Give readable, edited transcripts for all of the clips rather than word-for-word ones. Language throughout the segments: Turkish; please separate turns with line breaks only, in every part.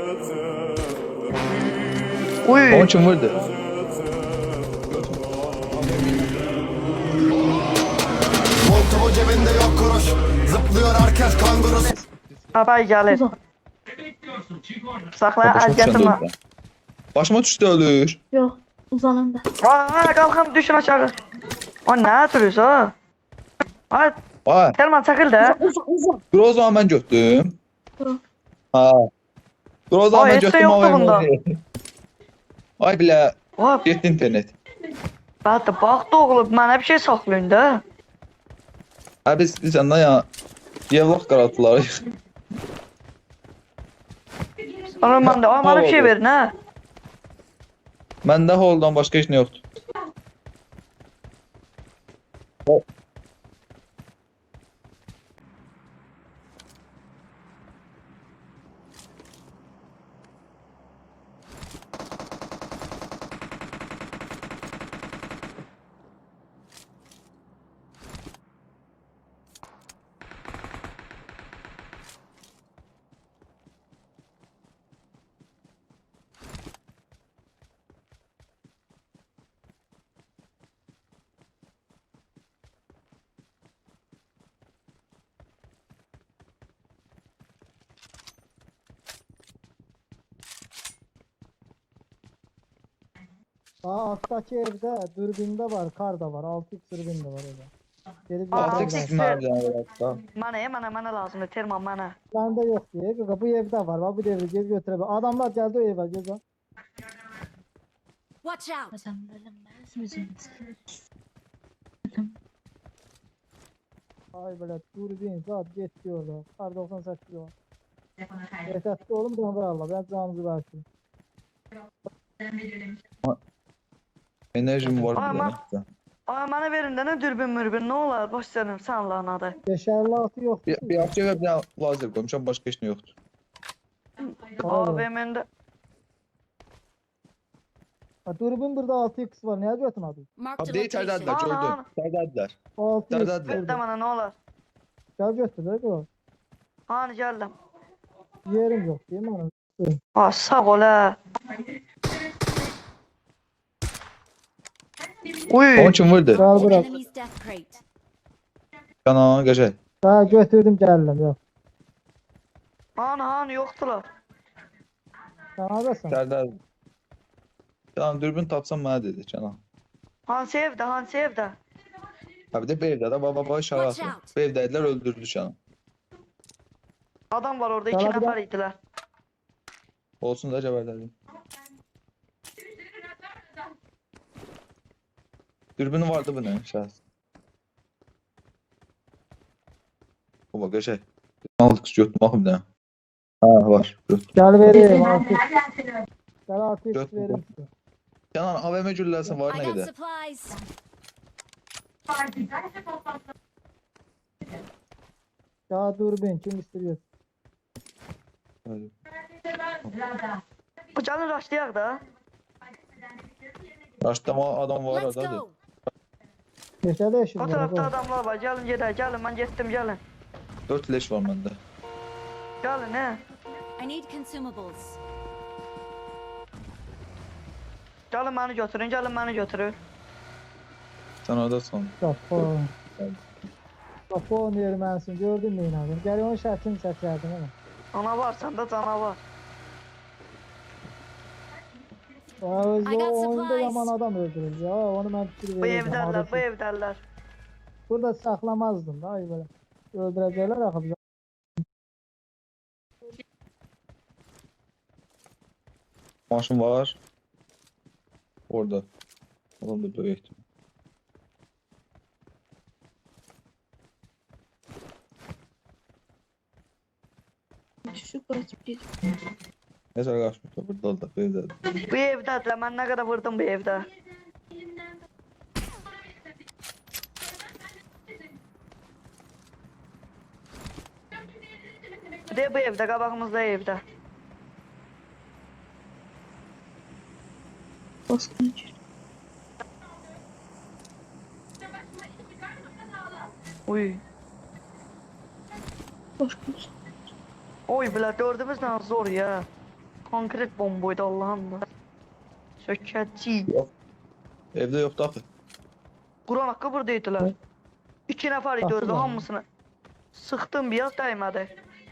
Uy.
Onun için vurdu.
Montumu cebinde yok kuruş. Zıplıyor herkes kanguru.
Abay gelir. Sakla
Başıma
az
düşen de
getirme.
öldü. Başıma düştü ölür.
Yok, uzananda.
Aa kalkın düşün aşağı. O ne duruyorsun o? Ay
Ay,
Telman çakıl da.
Uzan.
dur o zaman ben götürdüm.
Dur.
Ha. Dur o zaman
Ay,
ben
hiç de
götürdüm
yoktu
ama
bunda.
Ay bile
Hop.
gitti internet.
Hatta bak doğulu bana bir şey saklayın da.
Abi senden ya yevlak karaltılar.
Sonra ben de bana bir şey verin ha.
Məndə holdan başqa heç nə yoxdur.
Alttaki evde dürbünde var, kar da var. 6x dürbün de var öyle. Gelip
Aa,
Artıq
altı
yapabilirsin.
x.
sizin harcanacaqda.
Bana lazım Telman bana.
Bende yok diye. Kanka bu evde var. Bak bu devri gel götürebilir. Adamlar geldi o eve. Gel.
Watch out!
Kazanılmaz müziğimiz.
Ay böyle dürbün zat geçti orada. Kar 98 var. Yeterli oğlum da Allah. Ben canınızı versin.
Enerjim var bir
Ama-
dənə.
Aa bana verin de ne dürbün mürbün ne olar boş verin sen Allah'ın adı.
556 yok.
Bir apçı və bir dənə lazer qoymuşam, başqa heç nə yoxdur.
Aa benim de.
Ha, dürbün burada 6x var. Neye götürmedin?
Marked a
Abi içəridədirlər,
location.
Ana,
gördüm.
ana.
İçəridədirlər.
6x.
Nerede?
Ver de bana ne olar.
Gel götür. Gel.
Hani geldim.
Yerim yok değil mi? Hanım?
Aa sağ ol ha. Uy.
Onun üçün vurdu.
Gel bırak.
Enemy's death crate.
Kana qəşəng.
Daha götürdüm geldim. Yok.
Hani yoktular.
Sen neredesin?
İçəridədir. Canan dürbün tapsam mənə dedi Canan.
Hansı evde?
Ha bir də bu evdə də baba işarə
Watch
atır.
out.
Bu evdədilər öldürdü Canan.
Adam var orada iki
Sana bir
nefer idiler.
Olsun da cəbərlədim. Dürbünü vardı bu nə şahs. Baba qəşəng. Aldık götürdüm baxım bir dənə. Ha var. Götürdüm.
Gel vereyim 6x. Gel 6x
Götür.
vereyim size.
Canan AVM gülləsi var
I
nə
got
qədər?
supplies.
Ya dürbün kim istiyor?
Hadi.
Bu canı raşlayak da.
Raşlama adam var
Let's
hadi.
go!
Geçerli eşit
O
var.
tarafta
bak.
adamlar var. Gelin gelin ben gittim gelin.
4 leş var məndə.
Gelin he.
I need consumables.
Gelin beni götürün.
Sən oradasan.
Japon. Japon yermensin gördün mü inanın? Gel onun şartını çekerdim ama.
Ana var sende canavar.
O
I got
oyunda
supplies.
yaman adam öldürür ya. Onu ben fikir
Bu
vereceğim.
evderler bu
Arası.
evderler.
Burada saklamazdım da ay böyle. Öldürecekler akı bize.
Maşın var. Orada. Adam da böyük.
Şu kaçıp bir.
Nəsə qaçmış da burada da böyle.
Bu evderler ben ne kadar vurdum bu evde. Bir de bu evde kabağımızda evde.
Baskın içeri.
Uy.
Baskın.
Oy bile dördümüz ne zor ya. Konkret bombaydı Allah'ım da. Sökətçi.
Yok. Evde yoktu axı.
Quran haqqı buradaydılar. 2 nəfər idi
Qapı
özü
var.
hamısını. Sıxdım biraz dəymədi.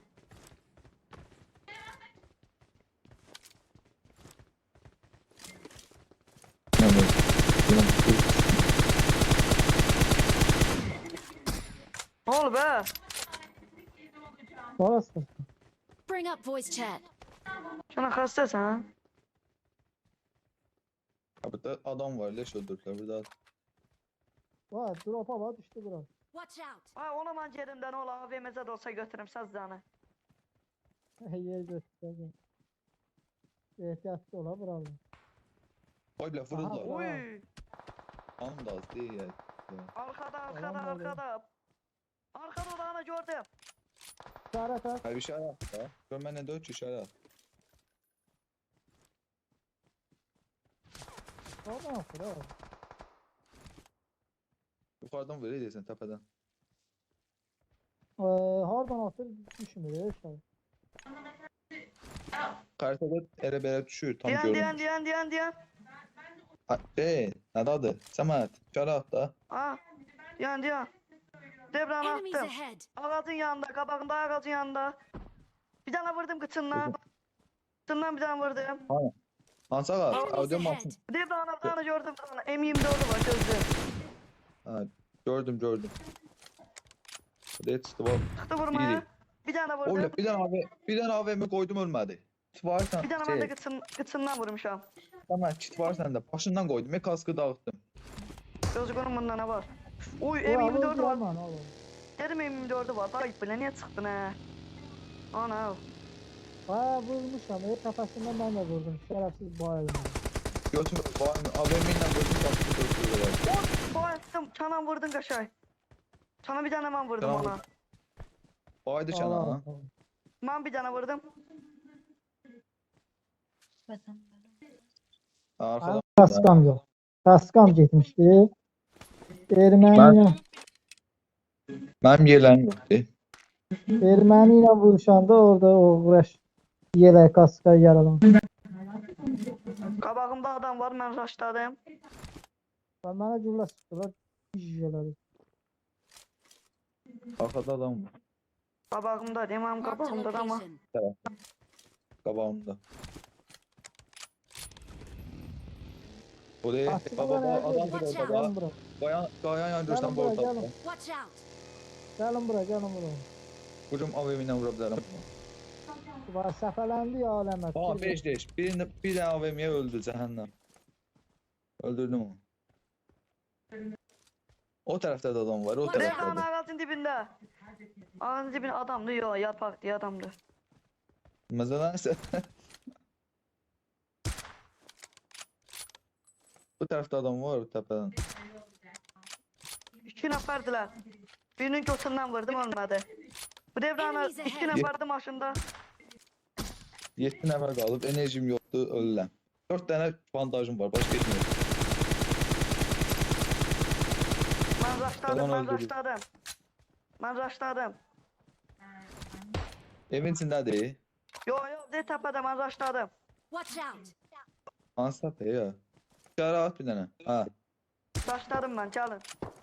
Yani,
Nə olub be?
Orası.
Bring up voice chat.
Sən xəstəsən?
burada adam var, leş öldürdüler burada.
Var, dropa var, düştü biraz.
Watch out.
Ay ona mən yerimdən ola AVMZ də olsa götürüm səzzanı.
Yer gösterdi. Ehtiyatlı ola buralı.
Ay bile vurdular.
Aha.
Uy!
Hanım da az değil ya.
Arkada
Adam var ya.
arkada. Arkada odağını gördüm.
İşaret at.
Hayır bir şey at da. Gör benden 4 işaret at.
Oradan atır ha.
Yukarıdan böyle değilsin tepeden.
Hardan atır düşmüyor ya işte.
Haritada ere bere düşüyor tam
Diyen
görünmüş.
diyen.
Ne adı? Samet. İşaret at da.
Ha. Diyen. Debranı
Enemies
attım.
ahead.
Ağacın yanında, kabağında ağacın yanında. Bir tane vurdum kıçından. Kıçından bir tane vurdum.
Hansı ağaç?
Enemies
Audio
ahead.
masın.
Debranı bir tane gördüm. M24'ü var gözlü.
Ha, gördüm. Buraya çıktı bak.
Çıktı vurmaya.
İyi.
Bir tane vurdum.
Oğlum bir tane AVM koydum ölmedi. Kit var sen.
Bir tane ben de kıçından vurmuşam.
Tamam kit var sende. Başından koydum. Kaskı dağıttım.
Gözgünün bunda ne var? Uy
Ya,
M24'ü
vurdu
var.
aman oğlum.
Dedim M24'ü var. Ayıp bile niye çıktın he? Ana.
Ha vurmuşam. Kafasından ben de vurdum. Şerefsiz bayıldım.
Götür. AVM'yle koydum kaskı dağıttım.
Bayıldım. Çanan vurdun kaşay. Sana bir tane ben vurdum
Çanan
ona.
Baydı çana.
Allah.
Ben bir tane vurdum.
Vatan.
Arkadan.
Kaskam yok. Kaskam gitmişti. Ermeniyle,
Benim yerlerim yoktu.
Ermeniyle vuruşanda orada o uğraş. Yelek kaska yaralan.
Kabağımda adam var ben raşladım.
Bana cümle sıktılar. Yiyeceğler.
Arkada adam var.
Kabağımda değil mi?
Marked a
Kabağımda da ama.
location.
Kabağımda. Buraya
Aslında
baba
ben
adam
evdeyim.
bir
Watch
orada.
Gelin buraya.
Kayan yandırsan bu
Gelin buraya,
ortada.
gelin.
Watch out.
Gelin buraya, gelin buraya.
Hocam AVM'den vurabilirim.
Var səfələndi ya aləmət.
Tamam 5 leş. Bir de AVM'ye öldü cehennem. Öldürdüm onu. O tarafta da adam var. O
Watch
tarafta
Devran
da.
ağacın dibinde. Ağacın dibinde adamdı yok yarpak diye adamdı.
Mesela ise bu tarafta adam var tepeden.
2 nəfərdirlər. Birinin götündən vurdum ölmədi. Bu devranı
Enemies
2
ahead.
nəfərdi maşında.
7 nefer kalıb enerjim yoktu ölürəm. 4 tane bandajım var başka hiçbir yok.
Mən raşladım,
Yalan
mən
öldürdü.
raşladım. Mən raşladım.
Evin içindedir.
Yo, de təpədə mən raşladım.
Watch out.
Ansat ya. Dışarı at bir tane. Ha.
Raşladım mən, gəlin.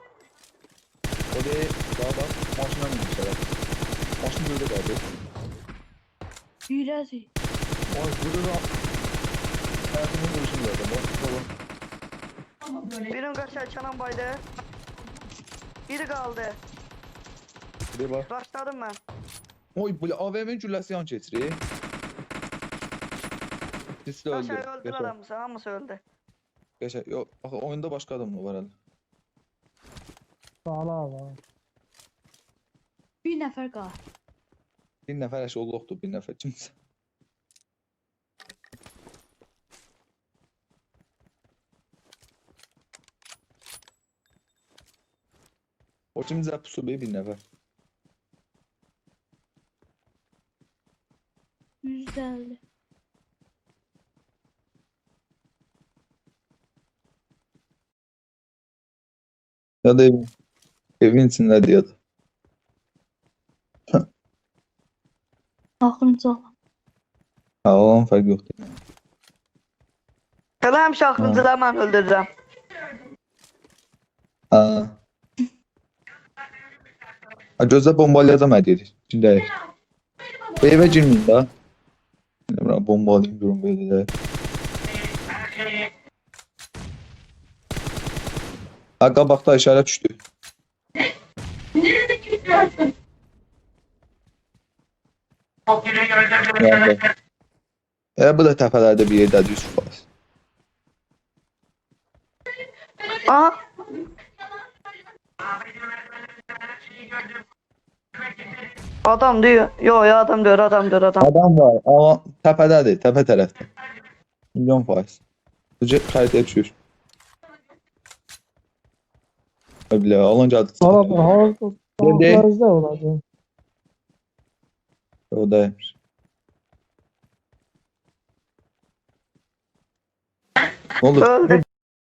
O değil. Daha bak. Maşına binmişler. Maşın böyle kaldı.
Yürəzi.
Oy burada da hayatımın duruşunu gördüm. Bak.
Birin qaşay Kenan baydı. Biri qaldı.
Bir bak.
Raşladım mən.
Oy böyle AVM'nin cülləsi yan keçirir. Sisli öldü.
Qaşay öldülər hamısı, hamısı öldü.
Geçer. Yok. Bak oyunda başka adam mı var hele?
Sağlar var.
Bir nəfər qalır.
Bir nefer eşi olduqdur. Bir nefer kimse. O kimse pusu bir nefer.
150.
Ya da evin içinde diyordu.
Axırıncı olan.
Ha, onun fərqi yoxdur.
Elə həmişə axırıncıları mən öldürürəm.
Ha. Ha, gözlə bombalayacağım hədiyyə. İçindəyik. Bu evə girməyin də. Bilmirəm, bombalayayım görüm belə də. Ha, qabaqda işarə düşdü. Yəni, bu da təpələrdə bir yerdədir 100%.
Aha. Adam diyor. Yo ya adam diyor, adam diyor, adam.
Adam var, amma təpədədir, təpə tərəfdə. Milyon faiz. Necə xəritəyə düşür. Bilə, alınca adı
Araba harada?
Nerede?
Tanklarızda olacak.
oradaymış. Ne olur?
Öldü.